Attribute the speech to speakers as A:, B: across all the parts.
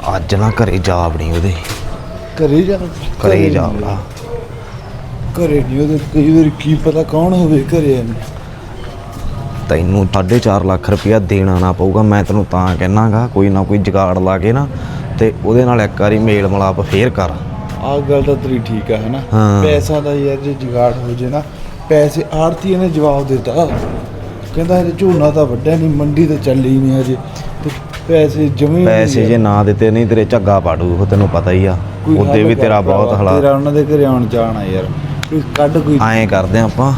A: ਅੱਜ ਨਾ ਘਰੇ ਜਾ ਵੜੀ ਉਹਦੇ।
B: ਘਰੇ ਜਾ
A: ਵੜਾ।
B: ਘਰੇ ਨਹੀਂ ਉਹਦੇ, ਕਈ ਵਾਰੀ ਕੀ ਪਤਾ ਕੌਣ ਹੋਵੇ ਘਰੇ ਇਹਨੇ।
A: ਤੈਨੂੰ 4.5 ਲੱਖ ਰੁਪਇਆ ਦੇਣਾ ਨਾ ਪਊਗਾ। ਮੈਂ ਤੈਨੂੰ ਤਾਂ ਕਹਿਣਾਗਾ ਕੋਈ ਨਾ ਕੋਈ ਜੁਗਾੜ ਲਾ ਕੇ ਨਾ ਤੇ ਉਹਦੇ ਨਾਲ ਇੱਕ ਵਾਰੀ ਮੇਲ ਮਿਲਾਪ ਫੇਰ ਕਰ।
B: ਆਹ ਗੱਲ ਤਾਂ ਤੇਰੀ ਠੀਕ ਆ, ਹੈ ਨਾ।
A: ਹਾਂ।
B: ਪੈਸਾ ਦਾ ਯਾਰ ਜੇ ਜੁਗਾੜ ਹੋ ਜੇ ਨਾ, ਪੈਸੇ ਆੜਤੀ ਨੇ ਜਵਾਬ ਦਿੱਤਾ, ਕਹਿੰਦਾ ਹਜੇ ਝੋਨਾ ਤਾਂ ਵੱਢਿਆ ਨਹੀਂ, ਮੰਡੀ ਤਾਂ ਚੱਲੀ ਨਹੀਂ ਹਜੇ, ਤੇ ਪੈਸੇ
A: ਜੇ ਨਾ ਦਿੱਤੇ ਨਹੀਂ ਤੇਰੇ ਝੱਗਾ ਪਾੜੂ ਉਹ, ਤੈਨੂੰ ਪਤਾ ਹੀ ਆ। ਉਹਦੇ ਵੀ ਤੇਰਾ ਬਹੁਤ ਹਾਲਾਤ।
B: ਤੇਰਾ ਉਹਨਾਂ ਦੇ ਘਰੇ ਆਉਣ ਜਾਣਾ ਯਾਰ, ਕੋਈ ਕੱਢ ਕੋਈ।
A: ਐਂ ਕਰਦੇ ਆਪਾਂ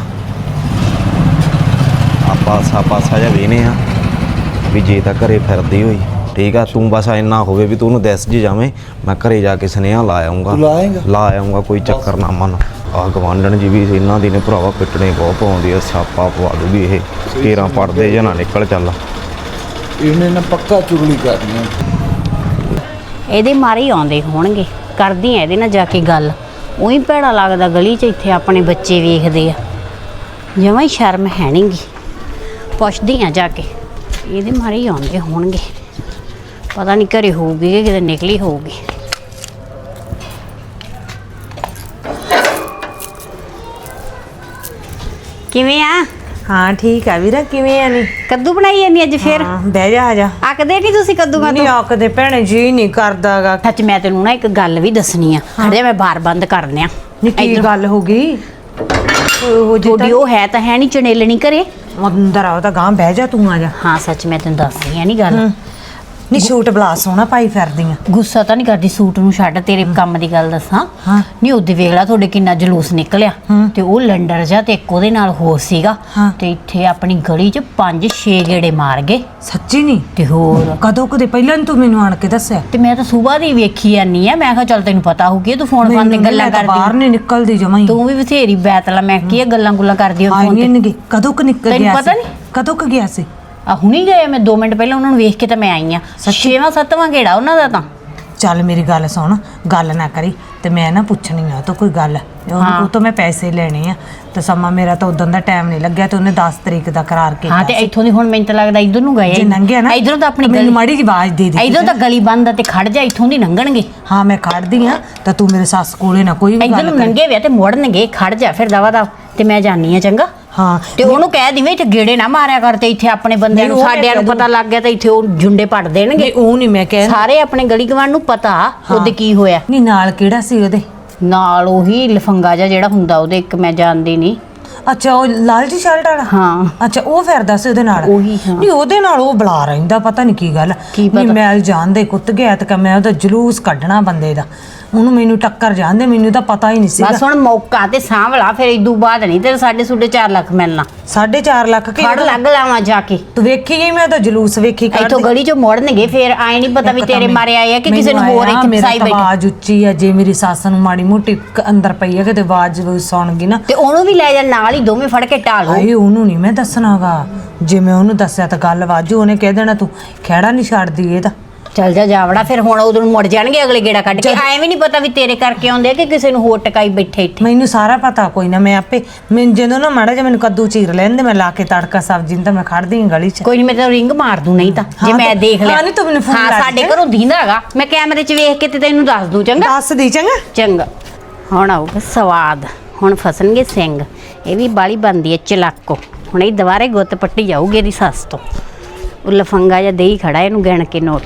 A: ਪਾਸਾ ਜਿਹਾ ਵੇਹਨੇ ਆ ਵੀ ਜੇ ਤਾਂ ਘਰੇ ਫਿਰਦੀ ਹੋਈ ਠੀਕ ਆ, ਤੂੰ ਬਸ ਇੰਨਾ ਹੋਵੇ ਵੀ ਤੂੰ ਉਹਨੂੰ ਦੱਸ ਜੀ ਜਾਵੇਂ, ਮੈਂ ਘਰੇ ਜਾ ਕੇ ਸੁਨੇਹਾ ਲਾ ਆਉਂਗਾ। ਕੋਈ ਚੱਕਰ ਨਾ ਮੰਨ। ਆਹ ਗਵਾਂਢਣ ਜੀ ਵੀ ਇਹਨਾਂ ਦੀ ਨੇ ਭਰਾਵਾ ਪਿੱਟਣੇ ਬਹੁਤ ਪਾਉਂਦੀ ਆ, ਸਿਆਪਾ ਪਵਾ ਦੂਗੀ ਇਹ। ਕੇਰਾਂ ਪੜਦੇ ਜਾਂ ਨਾ ਨਿਕਲ ਚੱਲ।
B: ਇਹਨੇ ਨਾ ਪੱਕਾ ਚੁਗਲੀ ਕਰਨੀ ਆ।
C: ਇਹਦੇ ਮਾਰੇ ਹੀ ਆਉਂਦੇ ਹੋਣਗੇ। ਕਰਦੀ ਆ ਇਹਦੇ ਨਾਲ ਜਾ ਕੇ ਗੱਲ। ਉਹੀ ਭੈੜਾ ਲੱਗਦਾ ਗਲੀ 'ਚ ਇੱਥੇ ਆਪਣੇ ਬੱਚੇ ਵੇਖਦੇ ਆ, ਜਮਾਂ ਹੀ ਸ਼ਰਮ ਹੈ ਨੀ ਗੀ। ਪੁੱਛਦੀ ਆ ਜਾ ਕੇ, ਇਹਦੇ ਮਾਰੇ ਹੀ ਆਉਂਦੇ ਹੋਣਗੇ। ਪਤਾ ਨਹੀਂ ਘਰੇ ਹੋਊਗੀ ਕਿ ਕਿਤੇ ਨਿਕਲੀ ਹੋਊਗੀ। ਕਿਵੇਂ ਆ?
D: ਹਾਂ ਠੀਕ ਆ ਵੀਰਾ, ਕਿਵੇਂ ਆ? ਨੀ
C: ਕੱਦੂ ਬਣਾਈ ਜਾਂਦੀ ਅੱਜ ਫੇਰ?
D: ਬਹਿ ਜਾ, ਆ ਜਾ।
C: ਆਕਦੇ ਨਹੀਂ ਤੁਸੀਂ ਕੱਦੂ ਕਾ?
D: ਨਹੀਂ ਆਕਦੇ ਭੈਣੇ, ਜੀ ਨਹੀਂ ਕਰਦਾਗਾ।
C: ਸੱਚ ਮੈਂ ਤੈਨੂੰ ਨਾ ਇੱਕ ਗੱਲ ਵੀ ਦੱਸਣੀ ਆ। ਹਜੇ ਮੈਂ ਬਾਰ ਬੰਦ ਕਰਨੇ ਆ।
D: ਕੀ ਗੱਲ ਹੋ ਗਈ?
C: ਤੁਹਾਡੀ ਉਹ ਹੈ ਤਾਂ ਹੈ ਨਹੀਂ ਚਣੇਲਣੀ ਘਰੇ?
D: ਅੰਦਰ ਆਓ ਤਾਂ ਗਾਂ ਬਹਿ ਜਾ, ਤੂੰ ਆ ਜਾ।
C: ਹਾਂ ਸੱਚ ਮੈਂ ਤੈਨੂੰ ਦੱਸਣੀ ਆ ਨੀ ਗੱਲ।
D: ਨਹੀਂ ਸੂਟ ਬਲਾ ਸੋਹਣਾ ਪਾਈ ਫਿਰਦੀ ਆ।
C: ਗੁੱਸਾ ਤਾਂ ਨਹੀਂ ਕਰਦੀ, ਸੂਟ ਨੂੰ ਛੱਡ। ਤੇਰੇ ਕੰਮ ਦੀ ਗੱਲ ਦੱਸਾਂ, ਨਹੀਂ ਉਹਦੇ ਵੇਖ ਲਾ ਤੁਹਾਡੇ ਕਿੰਨਾ ਜਲੂਸ ਨਿਕਲਿਆ। ਤੇ ਉਹ ਲੰਡਰ ਜਾ ਤੇ ਇੱਕ ਉਹਦੇ ਨਾਲ ਹੋਰ ਸੀਗਾ, ਤੇ ਇੱਥੇ ਆਪਣੀ ਗਲੀ 'ਚ 5-6 ਗੇੜੇ ਮਾਰ ਗਏ।
D: ਸੱਚੀ? ਨਹੀਂ
C: ਤੇ ਹੋਰ
D: ਕਦੇ ਪਹਿਲਾਂ ਨੀ ਤੂੰ ਮੈਨੂੰ ਆਣ ਕੇ ਦੱਸਿਆ?
C: ਤੇ ਮੈਂ ਤਾਂ ਸਵੇਰ ਦੀ ਵੇਖੀ ਜਾਨੀ ਆ। ਮੈਂ ਕਿਹਾ ਚੱਲ ਤੈਨੂੰ ਪਤਾ ਹੋਊਗੀ, ਤੂੰ ਫੋਨ ਤੇ ਗੱਲਾਂ ਕਰਦੀ।
D: ਬਾਹਰ ਨਹੀਂ ਨਿਕਲਦੀ ਜਮਾਂ ਹੀ।
C: ਤੂੰ ਵੀ ਬਥੇਰੀ ਬੈਤਲਾ। ਮੈਂ ਕੀ ਗੱਲਾਂ ਗੁੱਲਾਂ ਕਰਦੀ ਹਾਂ ਫੋਨ ਤੇ।
D: ਕਦੋਂ ਕੁ ਨਿਕਲ ਗਿਆ?
C: ਤੈਨੂੰ ਪਤਾ ਨਹੀਂ
D: ਕਦੋਂ ਕੁ ਗਿਆ ਸੀ?
C: ਆ ਹੁਣੀ ਗਏ। ਮੈਂ 2 ਮਿੰਟ ਪਹਿਲਾਂ ਉਹਨਾਂ ਨੂੰ ਵੇਖ ਕੇ ਤਾਂ ਮੈਂ ਆਈ ਆ। 6ਵਾਂ-7ਵਾਂ ਗੇੜਾ ਉਹਨਾਂ ਦਾ ਤਾਂ।
D: ਚੱਲ ਮੇਰੀ ਗੱਲ ਸੁਣ, ਗੱਲ ਨਾ ਕਰੀ ਤੇ ਮੈਂ ਨਾ ਪੁੱਛਣੀ ਆ ਤੂੰ ਕੋਈ ਗੱਲ। ਉਹ ਤੋਂ ਮੈਂ ਪੈਸੇ ਲੈਣੇ ਆ ਤੇ ਸਮਾਂ ਮੇਰਾ ਤਾਂ ਉਦੋਂ ਦਾ ਟਾਈਮ ਨਹੀਂ ਲੱਗਿਆ, ਤੇ ਉਹਨੇ 10 ਤਰੀਕ ਦਾ ਕਰਾਰ ਕੀਤਾ।
C: ਹਾਂ ਤੇ ਇੱਥੋਂ ਦੀ ਹੁਣ ਮੈਨੂੰ ਤਾਂ ਲੱਗਦਾ ਇੱਧਰ ਨੂੰ ਗਏ।
D: ਜੇ ਲੰਘਿਆ ਨਾ
C: ਇੱਧਰੋਂ ਤਾਂ ਆਪਣੀ
D: ਮੈਨੂੰ ਮਾੜੀ ਜਿਹੀ ਆਵਾਜ਼ ਦੇ ਦੇ।
C: ਇੱਧਰੋਂ ਤਾਂ ਗਲੀ ਬੰਦ ਆ ਤੇ ਖੜ ਜਾ, ਇੱਥੋਂ ਦੀ ਲੰਘਣਗੇ।
D: ਹਾਂ ਮੈਂ ਖੜਦੀ ਆ, ਤਾਂ ਤੂੰ ਮੇਰੇ ਸੱਸ ਕੋਲੇ ਨਾ ਕੋਈ ਵੀ
C: ਇੱਧਰ ਨੂੰ ਲੰਘੇ ਵੇ ਤੇ ਮੁੜਨਗੇ। ਖੜ ਜਾ ਫਿਰ ਦਵਾ ਦਾ, ਤੇ ਮੈਂ ਜਾਨੀ ਆ। ਚੰਗਾ
D: ਹਾਂ।
C: ਤੇ ਉਹਨੂੰ ਕਹਿ ਦਿਵੇਂ ਇੱਥੇ ਗੇੜੇ ਨਾ ਮਾਰਿਆ ਕਰ, ਤੇ ਇੱਥੇ ਆਪਣੇ ਬੰਦਿਆਂ ਨੂੰ ਸਾਡਿਆਂ ਨੂੰ ਪਤਾ ਲੱਗ ਗਿਆ ਤੇ ਇੱਥੇ ਉਹ ਜੁੰਡੇ ਪੜ ਦੇਣਗੇ।
D: ਉਹ ਨਹੀਂ ਮੈਂ ਕਹਿ,
C: ਸਾਰੇ ਆਪਣੇ ਗਲੀ ਗਵਾਂਢ ਨੂੰ ਪਤਾ ਉਹਦੇ ਕੀ ਹੋਇਆ।
D: ਨਹੀਂ ਨਾਲ ਕਿਹੜਾ ਸੀ ਉਹਦੇ
C: ਨਾਲ? ਉਹੀ ਲਫੰਗਾ ਜਿਹਾ ਜਿਹੜਾ ਹੁੰਦਾ ਉਹਦੇ, ਇੱਕ ਮੈਂ ਜਾਣਦੀ ਨਹੀਂ।
D: ਅੱਛਾ ਉਹ ਲਾਲ ਜੀ ਸ਼ਰਟ ਵਾਲਾ?
C: ਹਾਂ।
D: ਅੱਛਾ ਉਹ ਫਿਰਦਾ ਸੀ ਉਹਦੇ ਨਾਲ?
C: ਉਹੀ। ਹਾਂ
D: ਨਹੀਂ ਉਹਦੇ ਨਾਲ ਉਹ ਬੁਲਾ ਰਹਿੰਦਾ, ਪਤਾ ਨਹੀਂ ਕੀ ਗੱਲ। ਨਹੀਂ ਮੈਲ ਜਾਣਦੇ ਕੁੱਤ ਗਿਆ ਤੇ ਮੈਂ ਉਹਦਾ ਜਲੂਸ ਕੱਢਣਾ ਬੰਦੇ ਦਾ। ਉਹਨੂੰ ਮੈਨੂੰ ਟੱਕਰ ਜਾਂਦੇ, ਮੈਨੂੰ ਤਾਂ ਪਤਾ ਹੀ ਨਹੀਂ ਸੀ।
C: ਬਸ ਹੁਣ ਮੌਕਾ ਤੇ ਸਾਂਭਲਾ, ਫਿਰ ਇਦੋਂ ਬਾਅਦ ਨਹੀਂ ਤੇ 4.5 ਲੱਖ ਮਿਲਣਾ।
D: 4.5 ਲੱਖ
C: ਫੜ ਲੱਗ ਲਾਵਾਂ ਜਾ ਕੇ।
D: ਤੂੰ ਵੇਖੀ ਗਈ? ਮੈਂ ਤਾਂ ਜਲੂਸ ਵੇਖੀ।
C: ਇੱਥੋਂ ਗਲੀ ਚੋਂ ਮੁੜਨਗੇ, ਫਿਰ ਆਏ ਨਹੀਂ ਪਤਾ ਵੀ ਤੇਰੇ ਮਾਰੇ ਆਏ ਆ ਕਿ ਕਿਸੇ ਨੂੰ ਹੋਰ ਇੱਥੇ ਫਸਾਈ ਬੈਠੇ।
D: ਆਵਾਜ਼ ਉੱਚੀ ਆ, ਜੇ ਮੇਰੀ ਸੱਸ ਨੂੰ ਮਾੜੀ ਮੋਟੀ ਅੰਦਰ ਪਈ ਆ ਕਿਤੇ ਆਵਾਜ਼ ਸੁਣ ਗਈ ਨਾ
C: ਤੇ ਉਹਨੂੰ ਵੀ ਲੈ ਜਾ ਨਾਲ ਹੀ, ਦੋਵੇਂ ਫੜ ਕੇ ਢਾਲੋ।
D: ਹਾਏ ਉਹਨੂੰ ਨਹੀਂ ਮੈਂ ਦੱਸਣਾਗਾ, ਜੇ ਮੈਂ ਉਹਨੂੰ ਦੱਸਿਆ ਤਾਂ ਗੱਲ ਵਾਜੂ। ਉਹਨੇ ਕਹਿ ਦੇਣਾ ਤੂੰ ਖਹਿੜਾ ਨਹੀਂ ਛੱਡਦੀ ਇਹਦਾ।
C: ਚੱਲ ਜਾ ਜਾਵੜਾ, ਫਿਰ ਹੁਣ ਉਦੋਂ ਮੁੜ ਜਾਣਗੇ ਅਗਲੇ ਗੇੜਾ ਕੱਢ ਕੇ। ਐਵੇਂ ਵੀ ਨਹੀਂ ਪਤਾ ਵੀ ਤੇਰੇ ਕਰਕੇ ਆਉਂਦੇ ਆ ਕਿ ਕਿਸੇ ਨੂੰ ਹੋਰ ਟਕਾਈ ਬੈਠੇ ਇੱਥੇ।
D: ਮੈਨੂੰ ਸਾਰਾ ਪਤਾ, ਕੋਈ ਨਾ ਮੈਂ ਆਪੇ। ਮੈਨੂੰ ਜਦੋਂ ਨਾ ਮਾੜਾ ਜਿਹਾ ਮੈਨੂੰ ਕੱਦੂ ਚੀਰ ਲੈਂਦੇ, ਮੈਂ ਲਾ ਕੇ ਤੜਕਾ ਸਬਜ਼ੀ ਨੂੰ, ਤਾਂ ਮੈਂ ਖੜਦੀ ਹਾਂ ਗਲੀ 'ਚ।
C: ਕੋਈ ਨਹੀਂ, ਮੈਂ ਤੈਨੂੰ ਰਿੰਗ ਮਾਰ ਦੂੰ ਨਹੀਂ ਤਾਂ, ਜੇ ਮੈਂ ਦੇਖ ਲਿਆ।
D: ਹਾਂ ਨਹੀਂ ਤੂੰ ਮੈਨੂੰ ਫੋਨ
C: ਹਾਂ ਸਾਡੇ ਘਰੋਂ ਦੀਂਦਾ ਹੈਗਾ, ਮੈਂ ਕੈਮਰੇ 'ਚ ਵੇਖ ਕੇ ਤੇ ਤੈਨੂੰ ਦੱਸ ਦੂੰ। ਚੰਗਾ
D: ਦੱਸ ਦੀ। ਚੰਗਾ
C: ਚੰਗਾ। ਹੁਣ ਆਊਗਾ ਸਵਾਦ, ਹੁਣ ਫਸਣਗੇ ਸਿੰਘ। ਇਹ ਵੀ ਬਾਲੀ ਬਣਦੀ ਹੈ ਚਲਾਕੋ। ਹੁਣ ਇਹ ਦੁਬਾਰੇ ਗੁੱਤ ਪੱਟੀ ਜਾਊਗੀ ਇਹਦੀ ਸੱਸ ਤੋਂ। ਉਹ ਲਫੰਗਾ ਜਿਹਾ ਦੇਈ ਖੜਾ, ਇਹਨੂੰ ਗਿਣ ਕੇ ਨੋਟ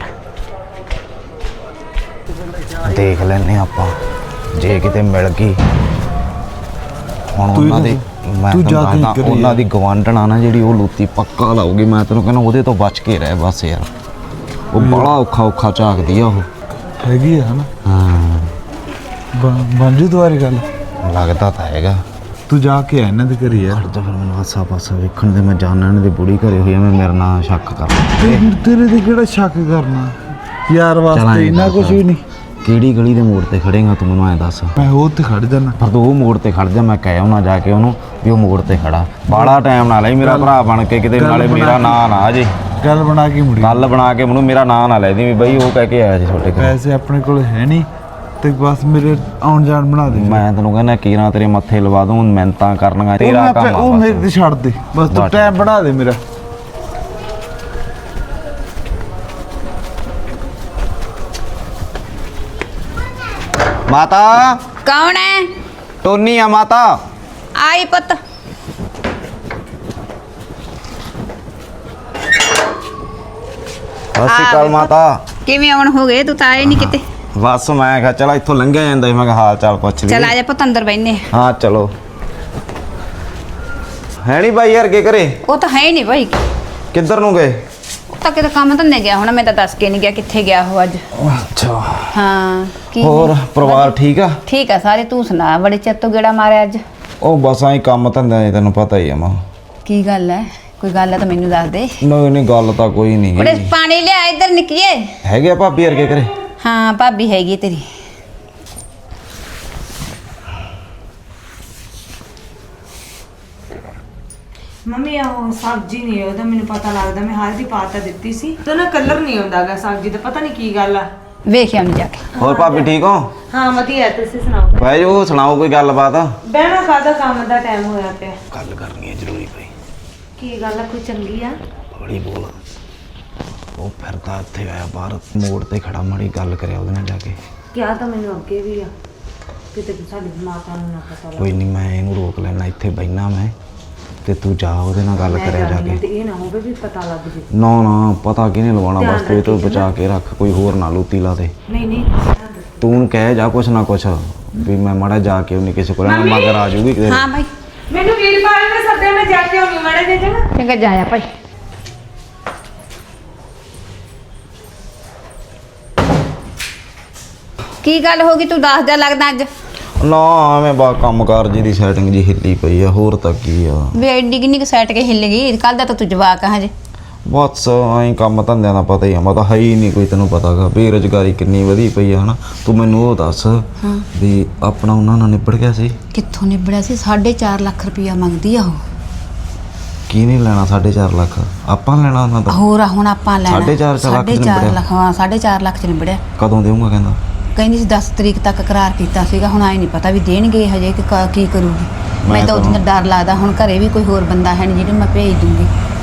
A: ਦੇਖ ਲੈਨੇ ਆਪਾਂ, ਜੇ ਕਿਤੇ ਮਿਲ ਗਈ। ਹੁਣ ਉਹਨਾਂ ਦੀ ਮੈਂ ਉਹਨਾਂ ਦੀ ਗਵਾਂਢਣਾ ਨਾ ਜਿਹੜੀ, ਉਹ ਲੂਤੀ ਪੱਕਾ ਲਾਉਗੀ। ਮੈਂ ਤੈਨੂੰ ਕਹਿੰਦਾ ਉਹਦੇ ਤੋਂ ਬਚ ਕੇ ਰਹਿ ਬਸ ਯਾਰ। ਉਹ ਬੜਾ ਔਖਾ ਝਾਕਦੀ ਆ ਉਹ।
B: ਹੈਗੀ ਆ ਹਨਾ?
A: ਹਾਂ
B: ਬਣ ਜੂ ਦੁਆਰੇ ਗੱਲ।
A: ਲੱਗਦਾ ਤਾਂ ਹੈਗਾ।
B: ਤੂੰ ਜਾ ਕੇ ਆ ਇਹਨਾਂ ਦੇ ਘਰੇ ਯਾਰ।
A: ਤਾਂ ਫਿਰ ਮੈਨੂੰ ਆਸਾ ਪਾਸਾ ਵੇਖਣ ਦੇ, ਮੈਂ ਜਾਣਨਾ ਇਹਨਾਂ ਦੀ ਬੁੜੀ ਘਰੇ ਹੋਈ ਆ। ਮੈਂ ਮੇਰੇ ਨਾਲ ਸ਼ੱਕ ਕਰਦਾ।
B: ਤੇਰੇ ਤੇ ਕਿਹੜਾ ਸ਼ੱਕ ਕਰਨਾ ਯਾਰ, ਵਾਸਤੇ ਇੰਨਾ ਕੁਝ ਵੀ ਨਹੀਂ।
A: ਕਿਹੜੀ ਗਲੀ ਦੇ ਮੋੜ ਤੇ ਖੜੇਗਾ ਤੂੰ, ਮੈਨੂੰ ਐਂ ਦੱਸ।
B: ਮੈਂ ਉਹ ਤੇ ਖੜ ਜਾਣਾ।
A: ਪਰ ਤੂੰ ਉਹ ਮੋੜ ਤੇ ਖੜ ਜਾ, ਮੈਂ ਕਹਿ ਆਉਣਾ ਜਾ ਕੇ ਉਹਨੂੰ ਵੀ ਉਹ ਮੋੜ ਤੇ ਖੜਾ। ਬਾਲਾ ਟਾਈਮ ਨਾ ਲਈ ਮੇਰਾ ਭਰਾ ਬਣ ਕੇ ਕਿਤੇ, ਨਾਲੇ ਮੇਰਾ ਨਾਂ ਨਾ ਜੇ
B: ਗੱਲ ਬਣਾ ਕੇ ਮੁੜੀ।
A: ਗੱਲ ਬਣਾ ਕੇ ਮੈਨੂੰ ਮੇਰਾ ਨਾਂ ਨਾ ਲੈ ਦੀ ਵੀ ਬਈ ਉਹ ਕਹਿ ਕੇ ਆਇਆ ਸੀ ਤੁਹਾਡੇ ਕੋਲ।
B: ਪੈਸੇ ਆਪਣੇ ਕੋਲ ਹੈ ਨਹੀਂ ਤੇ ਬਸ ਮੇਰੇ ਆਉਣ ਜਾਣ ਬਣਾ ਦੇ।
A: ਮੈਂ ਤੈਨੂੰ ਕਹਿੰਦਾ ਕੀਰਾਂ ਤੇਰੇ ਮੱਥੇ ਲਵਾ ਦੂੰ, ਮਿਹਨਤਾਂ ਕਰਨੀਆਂ ਤੇਰਾ ਕੰਮ ਆ।
B: ਉਹ ਮੇਰੇ ਤੇ ਛੱਡ ਦੇ ਬਸ, ਤੂੰ ਟਾਈਮ ਬਣਾ ਦੇ ਮੇਰਾ।
A: ਮਾਤਾ
C: ਕੌਣ ਹੈ?
A: ਟੋਨੀ ਆ ਮਾਤਾ।
C: ਆਈ ਪੁੱਤ।
A: ਸਤਿ ਸ਼੍ਰੀ ਅਕਾਲ ਮਾਤਾ।
C: ਕਿਵੇਂ ਆਉਣ ਹੋ ਗਏ? ਤੂੰ ਤਾਂ ਆਏ ਨਹੀਂ ਕਿਤੇ।
A: ਬਸ ਮੈਂ ਕਿਹਾ ਚਲ ਇੱਥੋਂ ਲੰਘਿਆ ਜਾਂਦਾ ਸੀ, ਮੈਂ ਕਿਹਾ ਹਾਲ ਚਾਲ ਪੁੱਛ ਲਈ।
C: ਚਲ ਆ ਜਾ ਪੁੱਤ ਅੰਦਰ ਬੈਠਨੇ।
A: ਹਾਂ ਚਲੋ। ਹੈ ਨਹੀਂ ਬਾਈ ਯਾਰ, ਕੀ ਕਰੇ?
C: ਉਹ ਤਾਂ ਹੈ ਹੀ ਨਹੀਂ ਭਾਈ।
A: ਕਿੱਧਰ ਨੂੰ ਗਏ?
C: ਉਹ ਤਾਂ ਕਿਤੇ ਕੰਮ ਧੰਦੇ ਗਿਆ ਹੁਣ, ਮੈਂ ਤਾਂ ਦੱਸ ਕੇ ਨਹੀਂ ਗਿਆ ਕਿੱਥੇ ਗਿਆ ਉਹ ਅੱਜ।
A: ਅੱਛਾ।
C: ਹਾਂ ਕੀ
A: ਹੋਰ ਪਰਿਵਾਰ ਠੀਕ ਆ?
C: ਠੀਕ ਆ ਸਾਰੇ। ਤੂੰ ਸੁਣਾ, ਬੜੇ ਚਿਰ ਤੋਂ ਗੇੜਾ ਮਾਰਿਆ ਅੱਜ।
A: ਉਹ ਬਸ ਆਈ ਕੰਮ ਧੰਦਾ ਹੈ, ਤੈਨੂੰ ਪਤਾ ਹੀ ਆ ਮਾਂ।
C: ਕੀ ਗੱਲ ਹੈ? ਕੋਈ ਗੱਲ ਹੈ ਤਾਂ ਮੈਨੂੰ ਦੱਸ ਦੇ।
A: ਨਹੀਂ ਗੱਲ ਤਾਂ ਕੋਈ ਨਹੀਂ
C: ਬੜੇ ਪਾਣੀ ਲਿਆ ਇੱਧਰ ਨਿੱਕੀਏ।
A: ਹੈਗੇ ਆ ਭਾਬੀ ਯਾਰ, ਕੀ ਕਰੇ?
C: ਹਾਂ ਭਾਬੀ ਹੈਗੀ ਤੇਰੀ।
D: ਮੰਮੀ ਉਹ ਸਬਜ਼ੀ ਨਹੀਂ ਉਹਦਾ ਮੈਨੂੰ ਪਤਾ ਲੱਗਦਾ, ਮੈਂ ਹਲਦੀ ਪਾ ਤਾਂ ਦਿੱਤੀ ਸੀ ਤੇ ਨਾ ਕਲਰ ਨਹੀਂ ਆਉਂਦਾਗਾ ਸਬਜ਼ੀ ਦਾ, ਪਤਾ ਨਹੀਂ ਕੀ ਗੱਲ ਆ।
C: ਵੇਖਿਆ ਨਹੀਂ ਜਾ ਕੇ।
A: ਹੋਰ ਭਾਬੀ ਠੀਕ ਹੋ?
D: ਹਾਂ ਵਧੀਆ, ਤੁਸੀਂ ਸੁਣਾਓ।
A: ਭਾਈ ਉਹ ਸੁਣਾਓ ਕੋਈ ਗੱਲਬਾਤ।
D: ਬਹਿਣਾ ਕਾਹਦਾ, ਕੰਮ ਦਾ ਟਾਈਮ ਹੋਇਆ ਪਿਆ।
A: ਗੱਲ ਕਰਨੀ ਹੈ ਜ਼ਰੂਰੀ ਭਾਈ।
D: ਕੀ ਗੱਲ ਆ, ਕੋਈ ਚੰਗੀ ਆ?
A: ਬੜੀ ਬੋਲ। ਉਹ ਫਿਰਦਾ ਇੱਥੇ ਆਇਆ ਬਾਹਰ ਮੋੜ ਤੇ ਖੜਾ, ਮਾੜੀ ਗੱਲ ਕਰਿਆ ਉਹਦੇ ਨਾਲ ਜਾ ਕੇ।
D: ਕਿਹਾ ਤਾਂ ਮੈਨੂੰ ਅੱਗੇ ਵੀ ਆ, ਕਿਤੇ ਸਾਡੇ ਦਿਮਾਗਾਂ ਨੂੰ ਨਾ ਪਤਾ ਲੱਗੇ।
A: ਕੋਈ ਨਹੀਂ ਮੈਂ ਇਹਨੂੰ ਰੋਕ ਲੈਣਾ, ਇੱਥੇ ਬੈਠਾ ਮੈਂ ਤੇ ਤੂੰ ਜਾ ਉਹਦੇ ਨਾਲ ਗੱਲ ਕਰਿਆ ਜਾ ਕੇ।
D: ਤੇ ਇਹ ਨਾ ਹੋਵੇ ਵੀ ਪਤਾ ਲੱਗ ਜੇ।
A: ਨਾ ਪਤਾ ਕਿਹਨੇ ਲਵਾਉਣਾ, ਬਸ ਤੂੰ ਇਹ ਤੋਂ ਬਚਾ ਕੇ ਰੱਖ, ਕੋਈ ਹੋਰ ਨਾ ਲੂਤੀ ਲਾ ਦੇ।
D: ਨਹੀਂ
A: ਤੂੰ ਉਹਨੂੰ ਕਹਿ ਜਾ ਕੁਛ ਨਾ ਕੁਛ ਵੀ ਮੈਂ ਮਾੜਾ ਜਾ ਕੇ ਉਹਨੇ ਕਿਸੇ ਕੋਲ ਮਗਰ ਆ ਜੂਗੀ ਕਿਤੇ।
C: ਹਾਂ ਭਾਈ
D: ਮੈਨੂੰ ਵੀਰਪਾਲ ਨੇ ਸੱਦਿਆ, ਮੈਂ ਜਾ ਕੇ ਆਉਣੀ ਮਾੜੇ ਜੇ ਚੰਗਾ।
C: ਚੰਗਾ ਜਾਇਆ ਭਾਈ। ਕੀ ਗੱਲ ਹੋ ਗਈ? ਤੂੰ ਦੱਸਦਾ ਲੱਗਦਾ ਅੱਜ।
A: ਨਾ ਐਵੇਂ ਬਾ ਕੰਮਕਾਰ ਜੀ ਦੀ ਸੈਟਿੰਗ ਜੀ ਹਿੱਲੀ ਪਈ ਆ, ਹੋਰ ਤਾਂ ਕੀ ਆ।
C: ਵੇ ਐਡੀ ਕਿੰਨੀ ਕੁ ਸੈਟ ਕੇ ਹਿੱਲ ਗਈ? ਕੱਲ ਦਾ ਤਾਂ ਤੂੰ ਜਵਾਕ ਆ ਹਜੇ।
A: ਬਸ ਐਂ ਕੰਮ ਧੰਦਿਆਂ ਦਾ ਪਤਾ ਹੀ ਆ, ਮੈਂ ਤਾਂ ਹੈ ਹੀ ਨਹੀਂ ਕੋਈ, ਤੈਨੂੰ ਪਤਾਗਾ ਬੇਰੁਜ਼ਗਾਰੀ ਕਿੰਨੀ ਵਧੀ ਪਈ ਆ ਹਨਾ। ਤੂੰ ਮੈਨੂੰ ਉਹ ਦੱਸ ਵੀ ਆਪਣਾ ਉਹਨਾਂ ਨਾਲ ਨਿਬੜ ਗਿਆ ਸੀ?
C: ਕਿੱਥੋਂ ਨਿਬੜਿਆ ਸੀ? 4.5 ਲੱਖ ਰੁਪਇਆ ਮੰਗਦੀ ਆ ਉਹ।
A: ਕੀ ਨਹੀਂ ਲੈਣਾ 4.5 ਲੱਖ? ਆਪਾਂ ਲੈਣਾ ਉਹਨਾਂ ਦਾ।
C: ਹੋਰ ਆ ਹੁਣ ਆਪਾਂ ਲੈਣਾ
A: 4.5 ਲੱਖ ਚ
C: 4.5
A: ਨਿਬੜਿਆ?
C: ਲੱਖ। ਹਾਂ 4.5 ਲੱਖ ਚ ਨਿਬੜਿਆ।
A: ਕਦੋਂ ਦੇਊਂਗਾ ਕਹਿੰਦਾ?
C: ਕਹਿੰਦੀ ਸੀ 10 ਤਰੀਕ ਤੱਕ ਕਰਾਰ ਕੀਤਾ ਸੀਗਾ, ਹੁਣ ਆਏ ਨਹੀਂ ਪਤਾ ਵੀ ਦੇਣਗੇ ਹਜੇ ਕਿ ਕੀ ਕਰੂਗੀ। ਮੈਂ ਤਾਂ ਉਹਦੇ ਨਾਲ ਡਰ ਲੱਗਦਾ, ਹੁਣ ਘਰੇ ਵੀ ਕੋਈ ਹੋਰ ਬੰਦਾ ਹੈ ਨਹੀਂ ਜਿਹਨੂੰ ਮੈਂ ਭੇਜ ਦੂੰਗੀ।